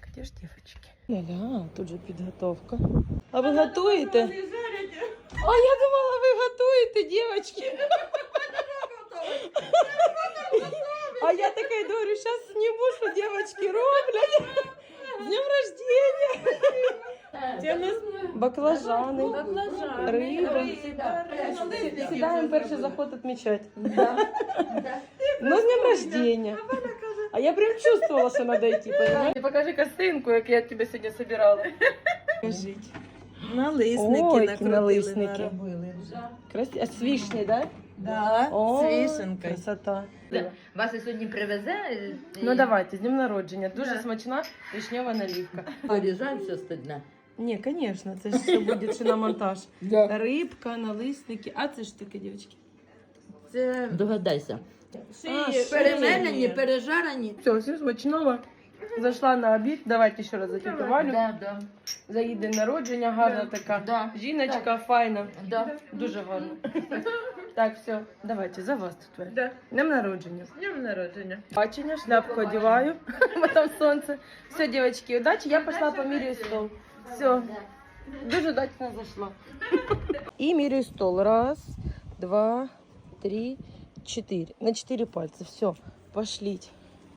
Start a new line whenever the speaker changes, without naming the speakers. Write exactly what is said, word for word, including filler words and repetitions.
Где ж девочки? Ля-ля, тут же підготовка. А ви готуєте? А я думала, ви готуєте, дівчатки. А я така говорю, зараз зніму, що дівчатки роблять. З днем рождения. Це у нас баклажани, риба. Сідаємо перший заход відмічати. Ну, з днем рождения. А я прям чувствовала, що треба йти, понимаєте? Покажи косинку, як я тебе сьогодні збирала. Покажіть.
Налисники
Ой,
накрутили,
налисники.
наробили.
Красиво. А з вишні, да?
Да,
О,
з вишенкою.
красота.
Вас і сьогодні привезе. і-
Ну давайте, з днем народження. Дуже
Да.
смачна вишнева наливка.
Поріжаємося стидно.
Ні, звісно, це ж все буде ще на монтаж.
Да.
Рибка, налисники. А це ж таке, дівчатки?
Це
Догадайся.
А,
перемелені, пережарені.
Все, все смачного. Зайшла на обід. Давайте ще раз за тетю Валю.
Да, да,
За її день народження, гарна така.
Да.
Жіночка, файна.
да.
Дуже гарно. Так, все, давайте, за вас тут. Валь.
Да.
Днем народження.
Днем народження.
Бачення, шляпку одеваю, бо там сонце. Все, девочки, удачи. Я пошла поміряю стол. Все, дуже удачно зайшла. І міряю стол. Раз, два, три, четыре. На четыре пальца. Все, пошліть.